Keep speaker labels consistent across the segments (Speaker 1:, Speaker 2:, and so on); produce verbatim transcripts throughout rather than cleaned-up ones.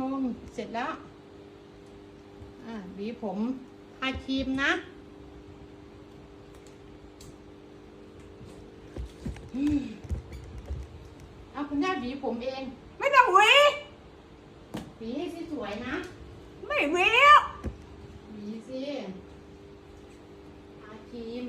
Speaker 1: นมเสร็จแล้วอ่าหวีผมทาครีมนะเอาคุณย่าหวีผมเอง
Speaker 2: ไม่ต้องหวี
Speaker 1: หวีให้สวยๆนะ
Speaker 2: ไม่หวีแล้ว
Speaker 1: หวีสิทาครีม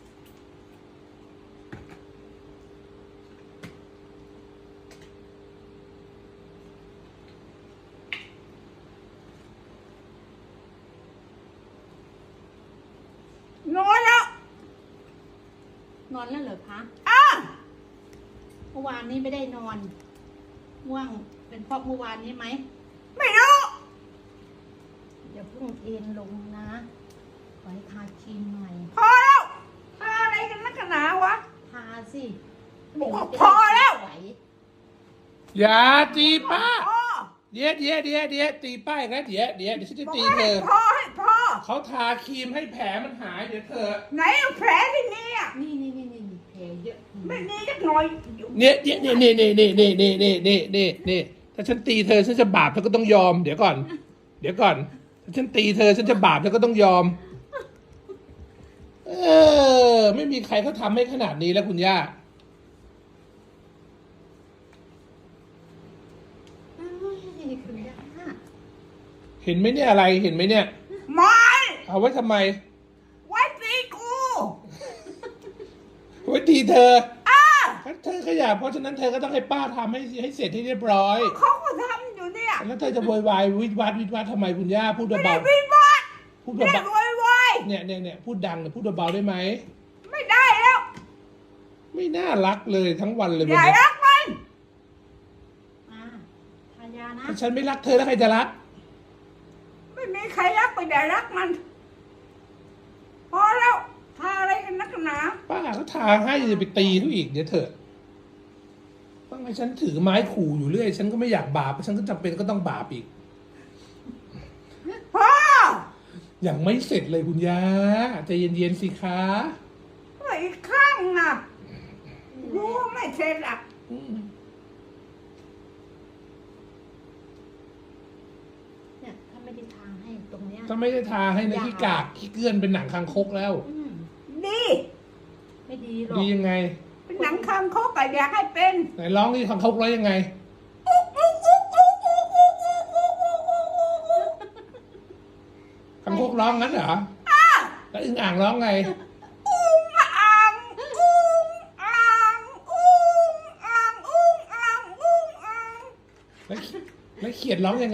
Speaker 2: นอนแล้ว
Speaker 1: นอนแล้วเหรอคะ
Speaker 2: อ่ะ
Speaker 1: เมื่อวานนี้ไม่ได้นอนง่วงเป็นเพราะเมื่อวานนี้ไหม
Speaker 2: ไม่รู้
Speaker 1: เดี๋ยวเพิ่งเอ็นลงนะไว้ทาครีมหน่อย
Speaker 2: พอแล้วทาอะไรกันนักหนาวะ
Speaker 1: ทาสิ
Speaker 2: บอกว่าพอแล้ว
Speaker 3: อย่าตีป้า
Speaker 2: พอ
Speaker 3: เดี๋ยวเดี๋ยวเดี๋ยวเดี๋ยวตีป้าอีกแล้วเดี๋ยวเดี๋ยวเดี๋ยวฉันจะ
Speaker 2: บอก
Speaker 3: ตี
Speaker 2: ว่า
Speaker 3: เธ
Speaker 2: ให้
Speaker 3: อ
Speaker 2: พอให้พอ
Speaker 3: เขาทาครีมให้แผลมันหายเดี๋ยวเธอ
Speaker 2: ไหนเอาแผลที่นี่อ่ะ
Speaker 1: นี่นี่นี่นี่แผลเยอะ
Speaker 2: ไม่มีจักหน่อยอยู่
Speaker 3: เนี่ยเนี่ยเนี่ยเนี่ยเนี่ยเนี่ยเนี่ยเนี่ยเนี่ยเนี่ยเนี่ยถ้าฉันตีเธอฉันจะบาปเธอก็ต้องยอมเดี๋ยวก่อน เดี๋ยวก่อนถ้าฉันตีเธอฉันจะบาปเธอก็ต้องยอม เออไม่มีใครเขาทำให้ขนาดนี้แล้วคุณย่า
Speaker 1: คุณย่า
Speaker 3: เห็นไหมเนี่ยอะไรเห็นไหมเนี่ย
Speaker 2: ไม่
Speaker 3: เอาไว้ทำไม
Speaker 2: ไว้ตีกู
Speaker 3: ไว้ตีเธอ
Speaker 2: อ่ะ
Speaker 3: เธอขยับเพราะฉะนั้นเธอก็ต้องให้ป้าทำให้ให้เสร็จให้เรียบร้อย
Speaker 2: เขาก็ทำอยู่เนี่ย
Speaker 3: แล้วเธอจะโวยวายวิดวัดวิดวัดทำไมคุณย่าพูด
Speaker 2: ไม่ได้
Speaker 3: เบา
Speaker 2: วินวัด
Speaker 3: ๆพูด
Speaker 2: ไม่ได้
Speaker 3: เบา
Speaker 2: โวยวาย
Speaker 3: ๆเนี่ยเนี่ยเนี่ยพูดดังเนี่ยพูดเบาๆได้ไหม
Speaker 2: ไม่ได้แล้ว
Speaker 3: ไม่น่ารักเลยทั้งวันเลย
Speaker 2: อ
Speaker 3: วัน
Speaker 2: ย่า
Speaker 3: นี้
Speaker 2: รักมัน
Speaker 1: อ่าทายานะ
Speaker 3: ถ้าฉันไม่รักเธอแล้วใครจะรัก
Speaker 2: ไม่มีใครรักไปอย่ารักมัน พอแล้วทาอะไรกันนักหนา
Speaker 3: ป้าเขาทาให้จะไปตีเขาอีกเดี๋ยวเถอะต้องให้ฉันถือไม้ขู่อยู่เรื่อยฉันก็ไม่อยากบาปฉันก็จำเป็นก็ต้องบาปอีก
Speaker 2: พ่อ
Speaker 3: ยังไม่เสร็จเลยคุณย่าใจเย็นๆสิคะ
Speaker 2: อีกข้างนะรู้ว่าไม่เสร็จอ่ะ
Speaker 3: อืม
Speaker 1: เนี่ยถ้าไม่ได้ทาให้ตรงเนี้ย
Speaker 3: ถ้าไม่ได้ทาให้นะขี้กากขี้เกลื่อนเป็นหนังคางคกแล้ว
Speaker 1: อืม
Speaker 2: ดี
Speaker 1: ไม่ดีหรอก
Speaker 3: ดียังไง
Speaker 2: เป็นหนังคางคกอะอยากให้เป็น
Speaker 3: ไหนร้องที่คางคกร้องยังไงคางคกร้องงั้นเหรอแล้วอึ่งอ่างร้องไง
Speaker 2: อุ้งอ่างอุ้งอ่างอุ้งอ่างอุ้งอ่างอุ้งอ่าง
Speaker 3: แล้วแล้วเขียดร้องยังไง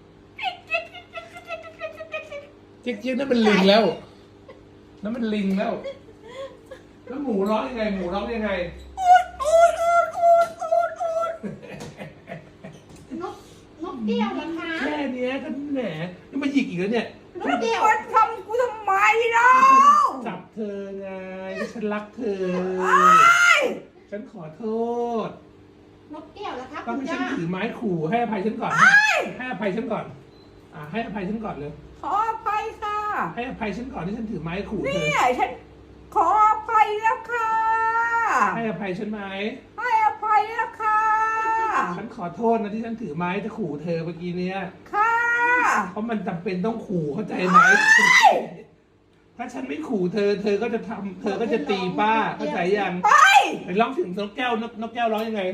Speaker 3: เจ๊กเจ๊กนั่นเป็นลิงแล้วนั่นมันลิงแล้ว แล้วหมูร้องยังไง หมูร้องยังไง
Speaker 2: อูดอูดอูดอูดอูดอูด
Speaker 1: นกนกแก้วเหรอคะ
Speaker 3: แค่เนี้ยก็แหมนี่มาหยิกอีกแล้วเนี่ย
Speaker 1: นกแก้ว
Speaker 2: มันทำกูทำไมเล่า
Speaker 3: จับเธอไงฉันรักเธอ ฉันขอโทษ
Speaker 1: นกแก้วเหรอคะ
Speaker 3: ต้อง
Speaker 1: คุณ
Speaker 3: ให้ฉั
Speaker 1: ย่าน
Speaker 3: ถือไม้ขู่ให้อภัยฉันก่อน ให้อภัยฉันก่อน อ่าให้อภัยฉันก่อนเลย
Speaker 2: ขออภัยค่ะ
Speaker 3: ให้อภัยฉันก่อนที่ฉันถือไม้ขู่เธ
Speaker 2: นี่
Speaker 3: อ
Speaker 2: ฉันขออภัยแล้วค่ะ
Speaker 3: ให้อภัยฉันไหม
Speaker 2: ให้อภัยแล้วค่ะ
Speaker 3: ฉันขอโทษนะที่ฉันถือไม้จะขู่เธอเมื่อกี้เนี้ย
Speaker 2: ค่ะ
Speaker 3: เพราะมันจำเป็นต้องขู่เข้าใจไหม ถ้าฉันไม่ขู่เธอ เธอก็จะทำเธอก็จะตีป้าเข้าใจยัง
Speaker 2: ไป
Speaker 3: ไปร้องถึงนกแก้วนกนกแก้วร้องยังไง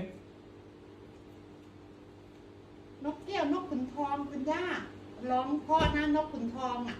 Speaker 1: นกแก้วนกขุนทองคุณย่าร้องเพราะนะนกขุนทองอ่ะ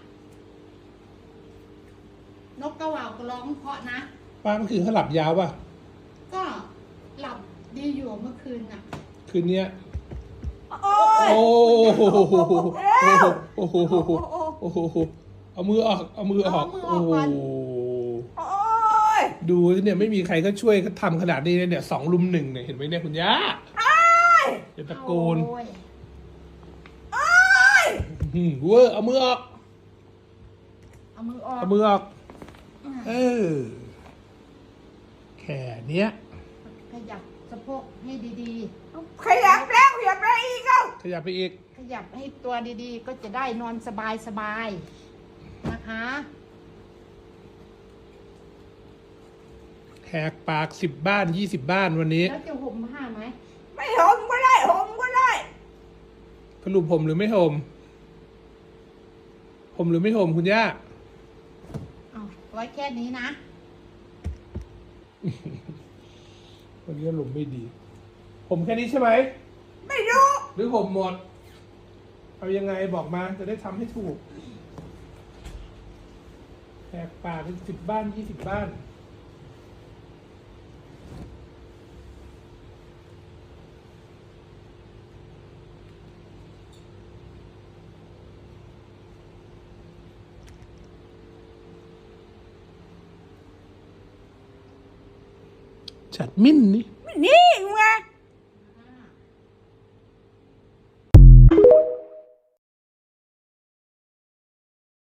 Speaker 1: นกกระเหว่าก็ร้องเพราะนะ
Speaker 3: ป้าเมื่อคืนเขาหลับยาวป่ะ
Speaker 1: ก็หลับดีอยู่เมื่อคืนอ่ะ
Speaker 3: คืนเนี้ย
Speaker 2: โอ้ย
Speaker 3: โอ้โห
Speaker 2: เร็ว
Speaker 3: โอ้โหโอ้โหเอามือออกเอามือออก
Speaker 1: เอามือออกก่อน
Speaker 3: โอ้
Speaker 2: โอ้ย
Speaker 3: ดูเนี่ยไม่มีใครก็ช่วยเขาทำขนาดนี้เนี่ยสองลุมหนึ่งเนี่ยเห็นไหมเนี่ยคุณย่าอย่าตะโกน
Speaker 1: โอ้ย
Speaker 2: โอ้ย
Speaker 3: อืมเวอร์เอามือออก
Speaker 1: เอามือออก
Speaker 3: เอามือออกเออแค่เนี้ย
Speaker 1: ขยับสะโพกให้ดี
Speaker 2: ขยับแล้วขยับแล้วอีกแล้ว
Speaker 3: ขยับไปอีก
Speaker 1: ๆ ขยับให้ตัวดีๆ ก็จะได้นอนสบายๆนะคะ
Speaker 3: แหกปากสิบบ้านยี่สิบบ้านวันนี้
Speaker 1: แล้วจะห่มผ้าไหม
Speaker 2: ไม่ห่มก็ได้ห่มก็ได้
Speaker 3: สรุปห่มหรือไม่ห่มห่มหรือไม่ห่มคุณย่า
Speaker 1: เอาไว้แค่นี้นะ
Speaker 3: วันนี้อารมณ์ไม่ดีห่มแค่นี้ใช่ไหม
Speaker 2: ไม่รู้
Speaker 3: หรือห่มหมด เอายังไงบอกมาจะได้ทำให้ถูกแหกปากเป็นสิบบ้านยี่สิบบ้านจัดมิ้นนี่
Speaker 2: นี่